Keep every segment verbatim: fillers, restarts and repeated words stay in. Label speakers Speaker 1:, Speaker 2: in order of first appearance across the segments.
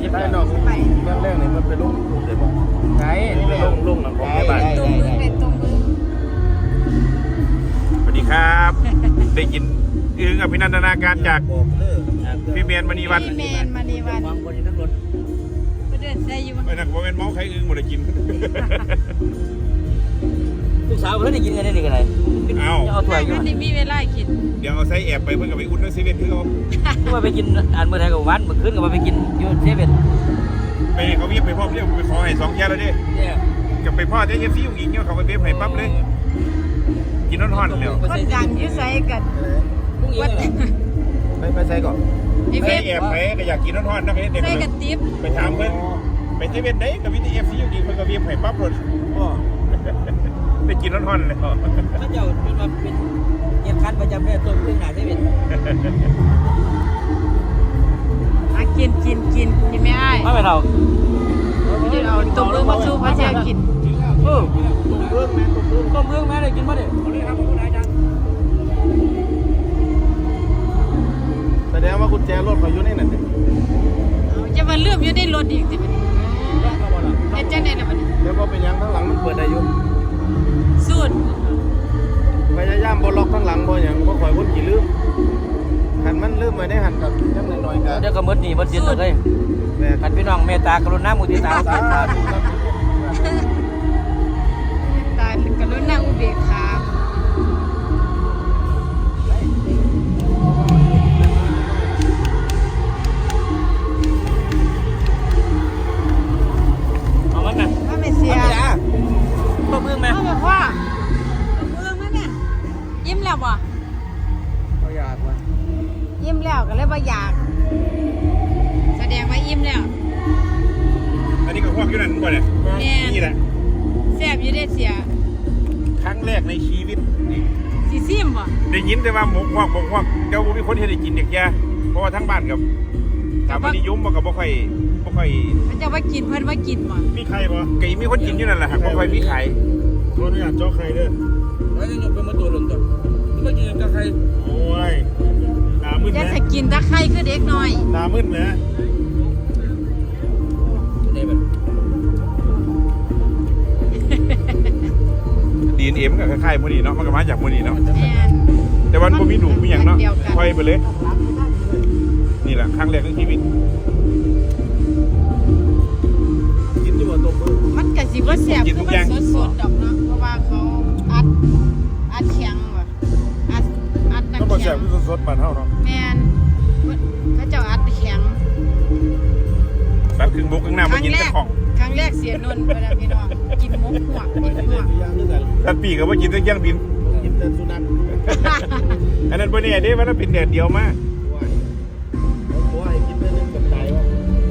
Speaker 1: ได้เนาะเรื่องแรกนี่มันเป็นลูกลูกเลยบ่ไงเป็นลูกลูกของแม่บ้าน
Speaker 2: ตรงมือเป็นตรงมือ
Speaker 3: สวัสดีครับได้กินอึ้งอภินันทนาการจากพี่เมียนมณีวัน
Speaker 2: พี่แมนมานีวัน
Speaker 1: วางบนนั้นรถ
Speaker 2: ไปเดินใส่อยู่
Speaker 3: ไอ้นักบอกเป็นเมาส์ใครอึ้งหมดเลยกิน
Speaker 1: ลูกสาวเพิ่นได้กินกันได้ดีกันไหน
Speaker 3: เอา
Speaker 1: เอาถ้วยอยู่
Speaker 2: มันนี่มีเวลากิน
Speaker 3: เดี๋ยวเอาไส้แอบไปเพื่อนกับไปอุ่นด้วยเซเว่นที่เขา
Speaker 1: คือว่าไปกินอันเมื่อไทยกับวันเมื่อคืนก็มาไปกินอยู่เซเว่น
Speaker 3: ไปเขาเรียกไปพ่อเรียกไปขอให้สองแย่แล้วดิ
Speaker 1: เนี่ย
Speaker 3: กับไปพ่อเจ๊เอฟซีอยู่อีกเนี่ยเขาไปเบี้ยให้ปั๊บเลยกินร้อนๆแล้ว
Speaker 2: คนดังอยู่ใส่กัน
Speaker 1: วัดไปไปใส่ก่อน
Speaker 2: ไอ้
Speaker 3: ไส้
Speaker 2: เว็บ
Speaker 3: แอบไปก็อยากกินร้อนๆนะเด็ก
Speaker 2: ใส่กันติ๊บ
Speaker 3: ไปถามเพื่อนไปเซเว่นได้กับวิทีเอฟซีอยู่อีกเพื่อนกับเบี้ยให้ปั๊บเลยไปกินร้อนๆเลย
Speaker 1: พระเจ้าเป็นมาเป็นเหตุการณ์ประจำเนี่ยตัวขึ้นหนาเซเว่น
Speaker 2: มากินกินกินกินไม่ได้
Speaker 1: ไม่ไปเรา
Speaker 2: เดี๋ยวเอาตัวมือมาสู้พระเจ้ากิน
Speaker 1: เออต้มเบื้องแม่ต้มเบื้องต้มเบื้องแม่ได้กินมาดิเอาเลยครับคุณนายจังแสดงว่ากุญแจรถเขาอยู่ในนั่นดิ
Speaker 2: เอาจะมาเลื่อมอยู่ในรถอีกสิมันเฮ็ดจังได๋ล่ะบัดนี้
Speaker 1: แล้วก็เป็นยังข้างหลังมันเปิดได้อยู่
Speaker 2: สูตร
Speaker 1: พยายามบ่ล็อกข้างหลังบ่หยังบ่ข่อยคนขี้ลืมหันมันลืมไว้ได้หันกับจังหน่อยๆกันเดี๋ยวก็หมดหนี้หมดสินเลยแม่คันพี่น้องเมตตากรุณามุทิตาสาธุครับ
Speaker 2: ตายกรุณาอุเบกขา
Speaker 1: เอามันน่ะ
Speaker 2: ว่าไม่เสีย
Speaker 1: ต้มเบื้องแม่
Speaker 2: เอาบอกว่าเมืองนั่นน่ะยิ้มแล้วบ่
Speaker 1: เอาอยากว่ะ
Speaker 2: ยิ้มแล้วก็เลยบ่อยาก แสดงว่ายิ้มแล้ว
Speaker 3: อันนี้ก็พวกอยู่นั่นบ่เนี่ย
Speaker 2: แม่น
Speaker 3: นี่แหละ
Speaker 2: แซ่บอยู่ได้เสีย
Speaker 3: ครั้งแรกในชีวิตนี่
Speaker 2: สิซิมบ่
Speaker 3: ได้ยินแต่ว่าหมกฮวกหมกฮวกเจ้าบ่มีคนเฮ็ดให้กินเด็กแก่เพราะว่าทั้งบ้านกับถามว่านิยมบ่ก็บ่ค่อยบ่ค่อย
Speaker 2: มันจะว่ากินเพิ่นว่ากินบ่
Speaker 3: มีใครบ่ก็มีคนกินอยู่นั่นแหละครับบ่ค่อยมีขายขออนุญาตเจาะไข่เด้อ
Speaker 1: แล้วจะยกเป็นมาตัวหล่นก่อนไม่กินกับใคร
Speaker 3: โอ้ยหน้ามึน
Speaker 2: จะ
Speaker 3: นะ
Speaker 2: จะกินตะไคร้คือเด็กน้อย
Speaker 3: หน้ามึนนะ
Speaker 1: ได้แบบ
Speaker 3: ดี เอ็น เอ มันก็คล้ายๆมื้อนี้เนาะมันก็มาจากมื้อนี้เนาะ
Speaker 2: แม่น
Speaker 3: แต่ว่าบ่มีหนูมีหยังเนาะ
Speaker 2: เดียวกัน
Speaker 3: ค่อยไปเลย นี่แหละครั้งแรกในชีวิต
Speaker 1: กินอยู่ว่าต้มเบื้อง
Speaker 2: มันก็สิบ่แซ่บคือมันสดๆดอกเนาะเพราะว่าเขาอัดอัดแข็งว่ะอัดอัด
Speaker 3: ก็
Speaker 2: น้ำ
Speaker 3: บ่
Speaker 2: แข็
Speaker 3: แซ่บ
Speaker 2: ง
Speaker 3: คือสดๆบ้านเฮาเนาะ
Speaker 2: แม่นเขาเจ้าอัดแข็ง
Speaker 3: ตัดครึ่งบกครึ่งหน้า
Speaker 2: ค
Speaker 3: บ่
Speaker 2: รั้ง
Speaker 3: กิน
Speaker 2: แร
Speaker 3: แต่
Speaker 2: ก
Speaker 3: ของ
Speaker 2: ครั้งแรกเสียนนท์ไปแล้วพี่น้องกินหมุกหัวกกินหัวก
Speaker 3: ตัดปีกก็บ่กินแต่เครื่องบิน
Speaker 1: กินแต่สุนัข
Speaker 3: อันนั้นบ่แน่เด้ว่าถ้าเป็นแดดเดียวมา
Speaker 1: เขาบอกให้กินแต่นึงกับตายว่า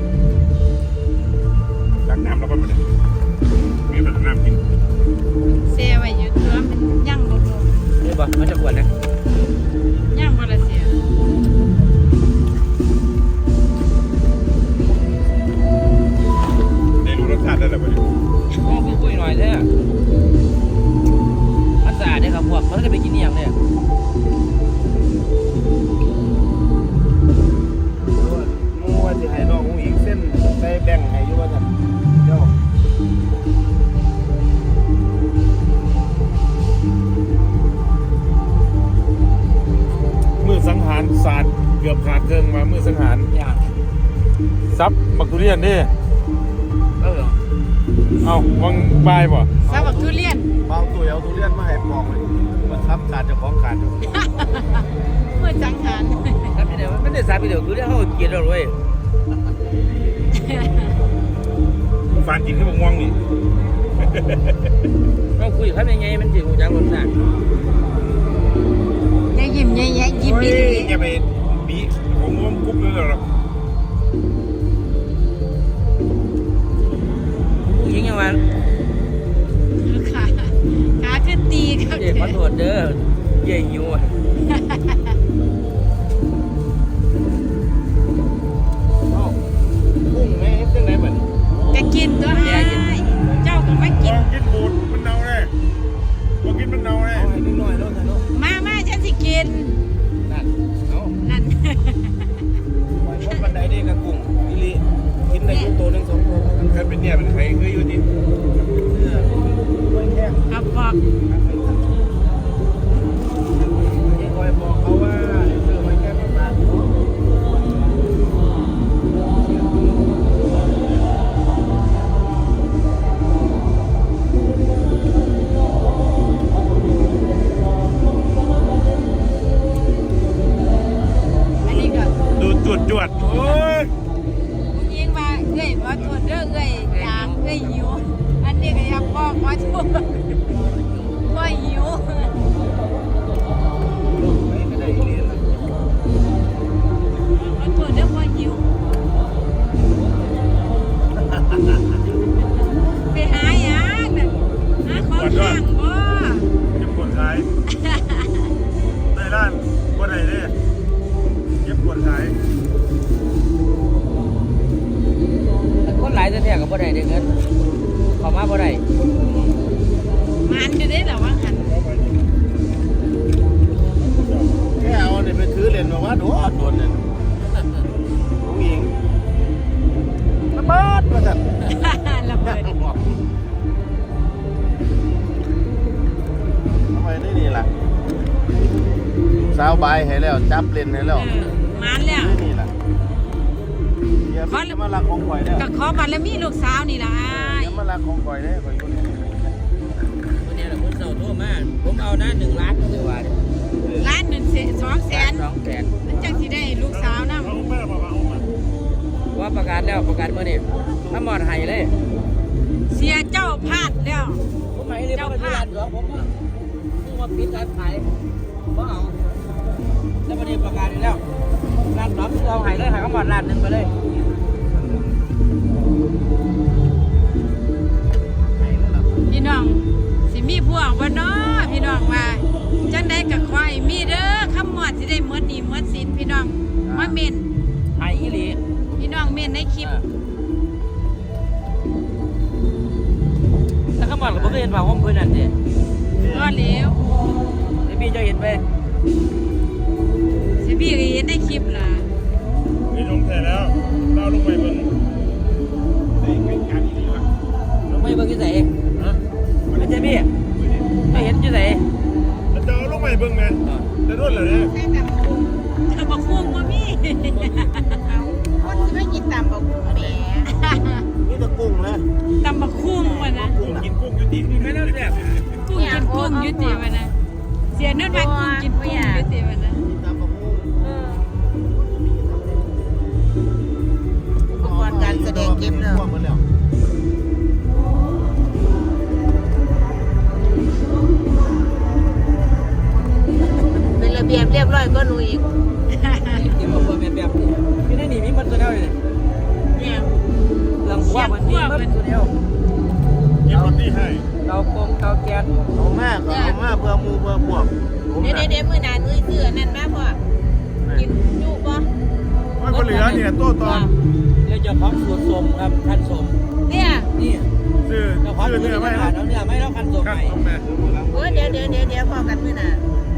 Speaker 3: ล้างน้ำแล้วก็บ่ได้มีแบบน้ำกิน
Speaker 2: เสียไว้อยู่ตัวมันย่างบ่ลง
Speaker 1: นี่ป่ะมันจะขวดนะ
Speaker 2: ย่างบ่ละเสีย
Speaker 3: ได้รู้รสชาติได้แล้วบ่เนี่ย
Speaker 1: โอ้คุยคุยหน่อยแท้มันสะอาดเนี่ยครับพวกมันจะไปกินนี่อย่างเนี่ยมูว่าจะให้น้องอีกเส้นใส่แบ่งให้อยู่ว่าซั่นเดี๋ยว
Speaker 3: มือสังหารศาสตร์เกือบขาดเครื่องมามือสังหาร
Speaker 1: อย่าง
Speaker 3: ซับบักทุเรียนดิ
Speaker 1: เออ
Speaker 3: เอ้าวังบายบ่
Speaker 2: ซาบักทุเรียน
Speaker 1: บางตัวเอาทุเรียนมาให้ปอกเลยมันทับขาดเจ้าของขาดอยู่
Speaker 2: เมื่อจังหัน
Speaker 1: ครับไม่ได้ไม่ได้สาบไปเดี๋ยวคือเรื่องเขาเกลียดเราเลย
Speaker 3: ฟานกินขึ้นบักม่วงนี่
Speaker 1: เราคุยครับยังไงมันสิหูจักรสชาติ
Speaker 2: อย่ายิ้มแย่ๆยิ้มดี
Speaker 3: โอ้ยอย่าไปบีของม่วงกุ๊บเลยหรอก
Speaker 1: ผู้หญิงยังว่า
Speaker 2: ๆขาขาคือตีครับ
Speaker 1: เย่ขอโทษเด้อเย่หิวอ่ะ กุ้งแม่เฮ็ดจังได๋บัดนี้
Speaker 2: จะกินตัวให้เจ้าก็ไม่กิน
Speaker 3: กินบูดมันเน่าแน่บ่กินมันเน่าแน่
Speaker 1: เอาให้นิดหน่อยเนาะท่านเนาะ
Speaker 2: มามาฉันสิกิน
Speaker 1: นั่นเอา
Speaker 2: นั่น
Speaker 1: ปล่อยคนบันไดเด้กับกุ้งอีหลีกินได้
Speaker 3: เป็นใครคืออยู่ที่
Speaker 2: ครับบอก
Speaker 1: คอยบอกเขาว่าซื้อไว้แค่ประมาณ
Speaker 2: อันนี้ก็
Speaker 3: ดูจวดจวดโอ้ย
Speaker 2: ผู้หญิงว่าเอ้ยว่าตัวเด้อเอ้ยอยากเอ้ยหิวอันนี้ก็อยากบอกว่าตัวว่าหิว
Speaker 1: ไม่ได้เรียน
Speaker 2: ว่าตัวเด้อว่าหิวไปหาหยังน่ะหาของย่างบ่
Speaker 3: เก็บปวดขายได้ร้านบ่ได้เด้เก็บปวดขาย
Speaker 1: คนหลายแท้ๆกับบ่ได้เงินเขามาบ่ได้
Speaker 2: มันจะได้หรอว่าหัน
Speaker 1: แค่เอาเนี่ยไปถือเรียนมาว่าโดนโดนเนี่ยผู้หญิงระเบิดมาจัด
Speaker 2: ระเบิด
Speaker 1: ทำไมได้นี่ล่ะสาวใบให้แล้วจับเล่นให้แล้ว
Speaker 2: มันแล้ว
Speaker 1: นี่ล่ะอย่าไปมาลักของข่อยเด้อ
Speaker 2: ก็ขอบัตรแล้วมีลูกสาวนี่ล่ะ
Speaker 1: อย่ามาลักของข่อยเด้อข่อยอยู่นี่
Speaker 4: วันนี้แหละคนเสาโทรมาผมเอานะหนึ่งล้านเดี๋ยวว่า
Speaker 2: ล้านหนึ่งสองแสน
Speaker 4: สองแสน
Speaker 2: มันจังสิได้ลูกสาวนะ
Speaker 3: เอาแม่บอกว่าเอามา
Speaker 4: ว่าประกาศแล้วประกาศเมื่อนี้ถ้าหมอดไห้เลย
Speaker 2: เสียเจ้าพลาดแล้ว
Speaker 4: ผมหมายเลยว่าเป็นร้านสองผมว่าซึ่งว่าปิดการขายว่าเอาแล้ววันนี้ประกาศอีกแล้วร้านสองเอาไห้เลยไห้ก็หมอดร้านหนึ่งไปเลย
Speaker 2: พี่น้องสิมีพวกบ่เนาะพี่น้องว่าจังได้กับควายมีเด้อคำหมอดสิได้หมดหนี้หมดสินพี่น้องมาเม่น
Speaker 4: ไห้อีหลี
Speaker 2: พี่น้องเม่นในคลิป
Speaker 4: แล้วก็หมอดกับผมก็เห็นว่าผมเพื่อนนั่นสิ
Speaker 2: ก็เหลว
Speaker 4: ไอ้พี่จะเห็นไป
Speaker 2: สิพี่ก็เห็นในคลิปล่ะ
Speaker 3: นี่ลงแท้แล้วเราลงไปเบิ่งได้เป็นการดีๆล่ะ
Speaker 4: ลงไปเบิ่งที่ไหนฮะไม่ใช่พี่ไม่เห็นที่ไหน
Speaker 3: แล้วจะเอาลงไปเบิ่งแม่จะรวดเหรอเนี่ย
Speaker 2: เธอบอกคุ้งบ่มี
Speaker 5: คนที่ไม่กินตำบอกแหม
Speaker 1: นี่ตะกุ้งนะ
Speaker 2: ตำบักคุ้งวะนะ
Speaker 3: กุ้งกินกุ้งอยู่ดี
Speaker 4: ไม่น่าแซ่บ
Speaker 2: กุ้งกินกุ้งอยุติวะนะเสียนุ่นว่ากุ้งกินกุ้งอยุติวะนะ
Speaker 1: ตามประมูล
Speaker 5: อุปกรณ์การแสดงเก็บเลย
Speaker 1: พวกมันแล้ว
Speaker 5: เป็นระเบียบเรียบร้อยก็หนูอีก
Speaker 4: เก็บเอาเบอร์แบบแบบนี้ไม่ได้หนีมีมันตัวเดียวเลย
Speaker 2: เนี่ย
Speaker 4: หลังคว้ามันมีมันตัวเดียว
Speaker 3: เก็บรถนี่ให้
Speaker 4: เตาโกงเตาแก๊ส
Speaker 1: เอามากเอามาเพื่อมูเพื่อพวกผม
Speaker 5: เดี๋ยว
Speaker 1: น่ะ
Speaker 5: เดี๋ยวมือหนานุ้ยเสื้อนั่นมาพ่อกินจุบ่
Speaker 3: ว่าคนเหลือเนี่ยโต้ตอน
Speaker 4: เรียกเจ้าของสูตรสมครับคันสม
Speaker 5: เนี่ย
Speaker 4: นี่
Speaker 3: ซื้อ
Speaker 4: เจ้าของ
Speaker 3: ซื้อ
Speaker 4: สูตร
Speaker 3: เนื้อ
Speaker 4: ไม่
Speaker 3: ไม่
Speaker 4: ผ่า
Speaker 3: เอา
Speaker 4: นแล้วเนี่ยไม่แล้วคันสม
Speaker 3: ครับ
Speaker 4: ใหม่
Speaker 3: ผมแม่
Speaker 5: เออเดี๋ยวเดี๋ยวเดี๋ยวเดี๋ยวพอกันมือหนา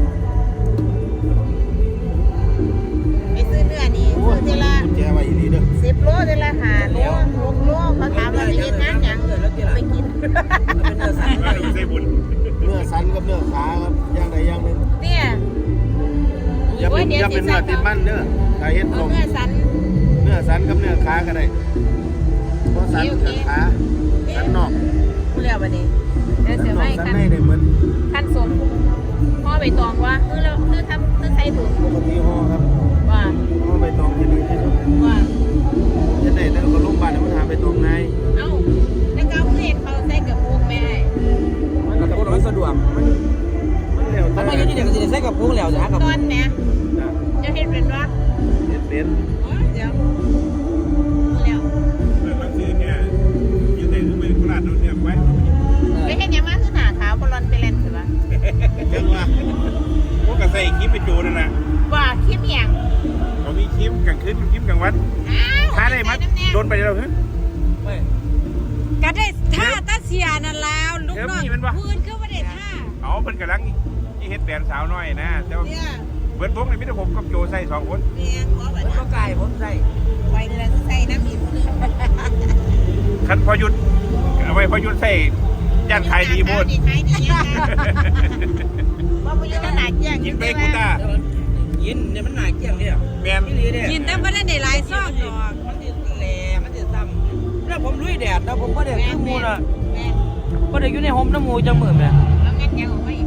Speaker 5: ไปซื้อเนื้อนี่
Speaker 1: โอ้
Speaker 5: ซื้
Speaker 1: ย
Speaker 5: อเทละ
Speaker 1: กุญแจไว้อีหลีเด้อ
Speaker 5: สิบโลเทละห้าโลหกโลเขาถามว่าไปกินงานหยังไปกิน
Speaker 4: เป็นเนื้อสัตว์
Speaker 3: ว่าดูใส่บุญ
Speaker 1: เนื้อสันกับเนื้อขาครับอย่างใดอย่างหนึ่ง
Speaker 5: เนี่ย
Speaker 1: อย่าเป็นอย่าเป็นเนื้อติดมันเด้อถ้าเฮ็ด
Speaker 5: เอา
Speaker 1: ต้ม
Speaker 5: เนื้อสัน
Speaker 1: เนื้อสันกับเนื้อขาก็ได้เพราะสัน
Speaker 5: โอเค
Speaker 1: เนื้อขาสันนอก
Speaker 5: กูเรียกว่านี่เดี๋ยว
Speaker 1: สัน
Speaker 5: เสีย
Speaker 1: นอ
Speaker 5: ไม่
Speaker 1: กสัน
Speaker 5: คัน
Speaker 1: ในได้เหมือน
Speaker 5: คันสมพ่อใบตองว่าเออแล้วเออทำเออใส่ถุง
Speaker 1: ปกติห่อครับ
Speaker 5: ว่า
Speaker 1: ห่อใบตองจะดีที่สุด
Speaker 5: ว่า
Speaker 1: จะได้แต่ก็ลงบ้านมันหาใบตองง่าย
Speaker 5: เอ้าในเก้าคือเห็นเขาใส่กับพวกแม่
Speaker 4: กับพวกเราสะดวก
Speaker 1: มันมันแล้วแต่
Speaker 4: ทำไมอยู่ที่เด็กก็จะใช้กับพวกแล้วจะหากับ
Speaker 5: ตอนแม่
Speaker 1: จ้ะ
Speaker 5: จะเห็นเป็นว่า
Speaker 1: เฮ็ดเป็น
Speaker 5: อ๋อเดี๋ยวแล้ว
Speaker 3: เมื่อซื้อเนี่ยยืนในมือโคราชโดนเนี่ยไว้
Speaker 5: ไปเห็นยังมาคือหนาขาวบอลลอนไปเล่นถือว่า
Speaker 1: จังว่า
Speaker 3: พวกกระใส่คลิปไปโจนั่นน่ะ
Speaker 5: ว่าคลิปอย่าง
Speaker 3: เขามีคลิปกลางคืนคลิปกลางวัน
Speaker 5: อ้าว
Speaker 3: ท้าได้มั้ยโดนไปแล้วเหรอ
Speaker 4: ไม่
Speaker 2: ก็ได้ท่าตาเสียนั่นแล้วลูกน้อง
Speaker 3: เดี๋ยวมีมันวะ
Speaker 2: พื้นก็ไม่ได้ท่า
Speaker 3: เอาเพิ่นกำลังที่เฮ็ดแบรนด์สาวน้อยนะแต่ว่า
Speaker 5: เนี่ย
Speaker 3: เบิดวงในมิตรผมกับโจใส่สองคน
Speaker 5: เนี่ยหัวแบบ
Speaker 4: ก็ไก่ผมใส่
Speaker 5: ไปเลยใส่น้ำอิ่มนึง
Speaker 3: คันพอหยุดเอาไว้พอยุดใส่ย่านขายดีโพด
Speaker 5: ขายดียังไงว่าพยุทธ์หนักแย่ง
Speaker 3: กินไปกูต้า
Speaker 4: ยินเนี่ยมันหนาเกี่ยงเนี่ย
Speaker 3: แมน
Speaker 4: พี่ลีเนี่ย
Speaker 2: กินแต่บ่ได้ได้หลายซองดอก
Speaker 4: มันจะแหล่มันจะซ้ำแล้วผมลุยแดดแล้วผมก็เด็กขึ้นมูน่ะ
Speaker 5: แม่
Speaker 4: ก็เด็กอยู่ในห่มน้ำมูจังมือแม่
Speaker 5: แล้วงั้นยังไม่